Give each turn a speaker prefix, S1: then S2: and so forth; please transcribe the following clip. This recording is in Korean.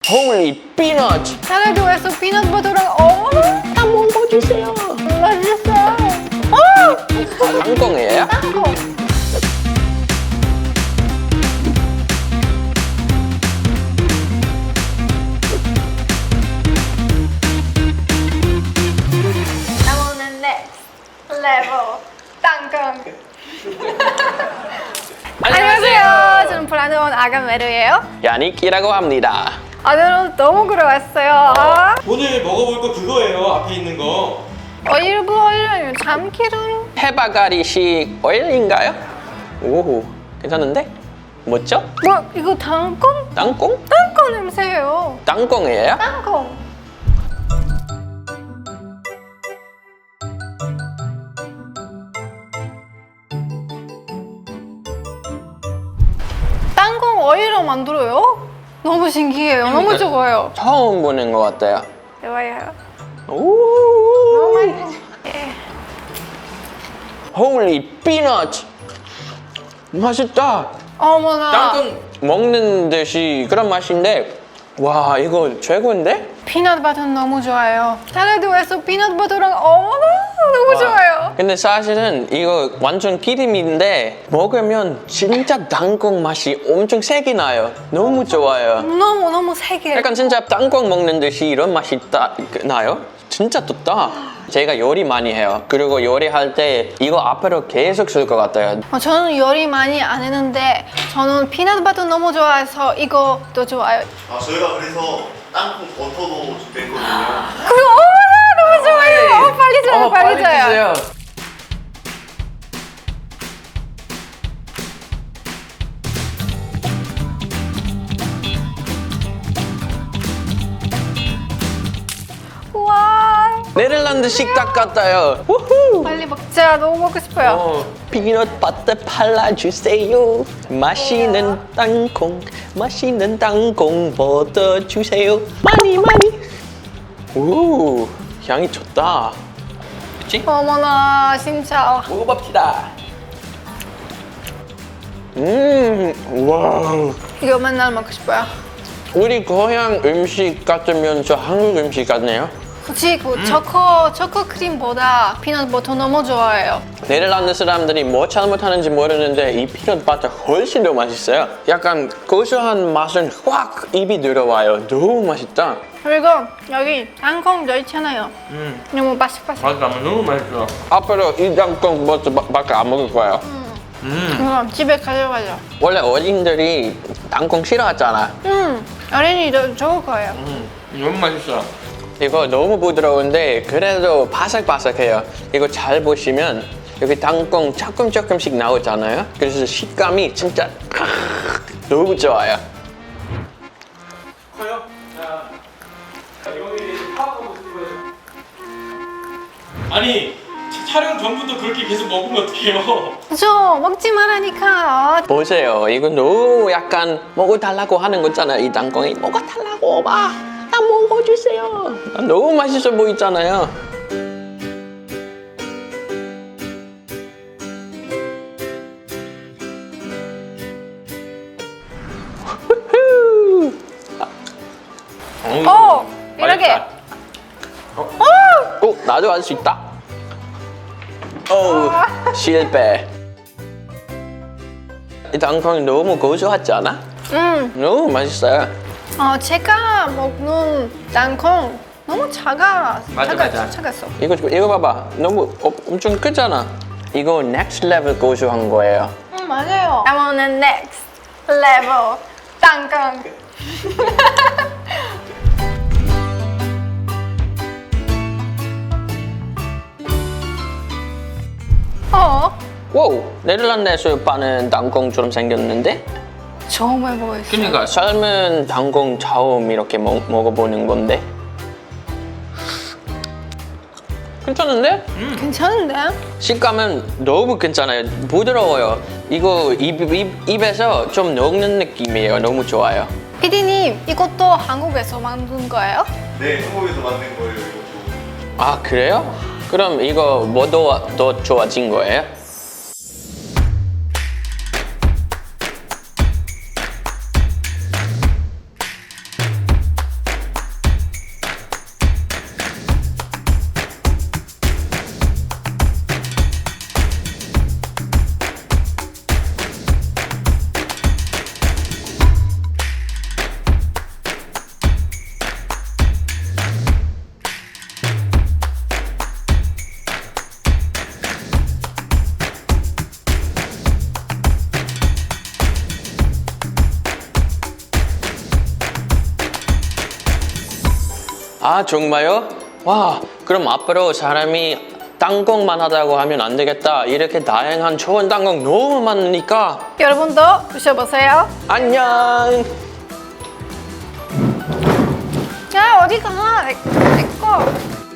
S1: Holy peanut!
S2: 사라도에서 피넛버터랑
S1: 다 먹어주세요.
S2: 맛있어.
S1: 땅콩이에요?
S2: 땅콩. 나오는 next level 땅콩. 안녕하세요. 저는 브라운 아가 메르예요.
S1: 야닉이라고 합니다.
S2: 오늘은 너무 그려왔어요.
S3: 오늘 먹어볼 거 그거예요. 앞에 있는 거.
S2: 오일 참기름.
S1: 해바가리식 오일인가요? 오, 괜찮은데? 뭐죠?
S2: 뭐 이거 땅콩?
S1: 땅콩?
S2: 땅콩 냄새예요.
S1: 땅콩이에요?
S2: 땅콩. 땅콩 오일로 만들어요? 너무 신기해요. 너무 좋아요.
S1: 처음 보는 것 같아요.
S2: 좋아요.
S1: 오,
S2: 예.
S1: Holy peanut! 맛있다.
S2: 어머나.
S1: 땅콩 먹는 듯이 그런 맛인데, 와, 이거 최고인데?
S2: 피넛버터는 너무 좋아요. 사라도에서 피넛버터랑 너무 좋아요.
S1: 근데 사실은 이거 완전 기름인데 먹으면 진짜 땅콩 맛이 엄청 세게 나요. 너무 좋아요.
S2: 너무 세게.
S1: 약간 진짜 땅콩 먹는 듯이 이런 맛이 나요? 진짜 좋다. 제가 요리 많이 해요. 그리고 요리할 때 이거 앞으로 계속 쓸 것 같아요.
S2: 저는 요리 많이 안 했는데 저는 피넛버터 너무 좋아해서 이것도 좋아요.
S4: 아 저희가 그래서 땅콩 버터도 준비했거든요.
S2: 그리고 너무 좋아요. 빨리 줘요, 빨리 줘요.
S1: 주세요.
S2: 와,
S1: 네덜란드 식탁 같아요. 우후.
S2: 빨리 먹자. 너무 먹고 싶어요.
S1: 피넛 버터 발라주세요. 맛있는 땅콩 버터 주세요. 많이. 오, 향이 좋다. 그치?
S2: 어머나, 진짜.
S1: 먹어봅시다. 와.
S2: 이거 맨날 먹고 싶어요.
S1: 우리 고향 음식 같으면서 한국 음식 같네요.
S2: 그치, 초코 크림보다 피넛버터 너무 좋아해요.
S1: 네덜란드 사람들이 뭐 잘못하는지 모르는데 이 피넛 버터 훨씬 더 맛있어요. 약간 고소한 맛은 확 입이 들어와요. 너무 맛있다.
S2: 그리고 여기 땅콩도 있잖아요. 너무 바삭바삭.
S3: 맞아, 너무 맛있어.
S1: 앞으로 이 땅콩 버터밖에 안 먹을 거예요.
S2: 이거 집에 가져가죠.
S1: 원래 어린이들이 땅콩 싫어하잖아.
S2: 어린이도 좋을 거예요.
S3: 너무 맛있어.
S1: 이거 너무 부드러운데 그래도 바삭바삭해요. 이거 잘 보시면 여기 땅콩 조금씩 나오잖아요. 그래서 식감이 진짜 너무 좋아요.
S3: 커요? 자, 여기 파악하고 있어요. 아니, 촬영 전부터 그렇게 계속 먹으면 어떡해요?
S2: 그죠? 먹지 말라니까.
S1: 보세요. 이거 너무 약간 먹어달라고 하는 거잖아요. 이 땅콩이 먹어달라고 봐. 나 먹어주세요. 너무 맛있어 보이잖아요.
S2: 이렇게.
S1: 나도 할 수 있다. 실패. 이 땅콩이 너무 고소하지 않아? 너무 맛있어요.
S2: 제가 먹는 땅콩 너무
S3: 맞아.
S2: 작았어.
S1: 이거 봐봐. 너무 엄청 크잖아. 이거 next level 고소한 거예요.
S2: 맞아요. I want the next level 땅콩.
S1: 와우, 네덜란드에서 파는 땅콩처럼 생겼는데?
S2: 처음 해보겠어.
S1: 그러니까 삶은 땅콩 처음 이렇게 먹어보는 건데? 괜찮은데?
S2: 괜찮은데?
S1: 식감은 너무 괜찮아요. 부드러워요. 이거 입에서 좀 녹는 느낌이에요. 너무 좋아요.
S2: 피디님, 이것도 한국에서 만든 거예요?
S4: 네, 한국에서 만든 거예요 이것도.
S1: 아, 그래요? 그럼 이거 뭐도 더 좋아진 거예요? 아 정말요? 와 그럼 앞으로 사람이 땅콩만 하다고 하면 안 되겠다. 이렇게 다양한 좋은 땅콩 너무 많으니까.
S2: 여러분도 드셔보세요.
S1: 안녕.
S2: 야 어디 가? 내 거.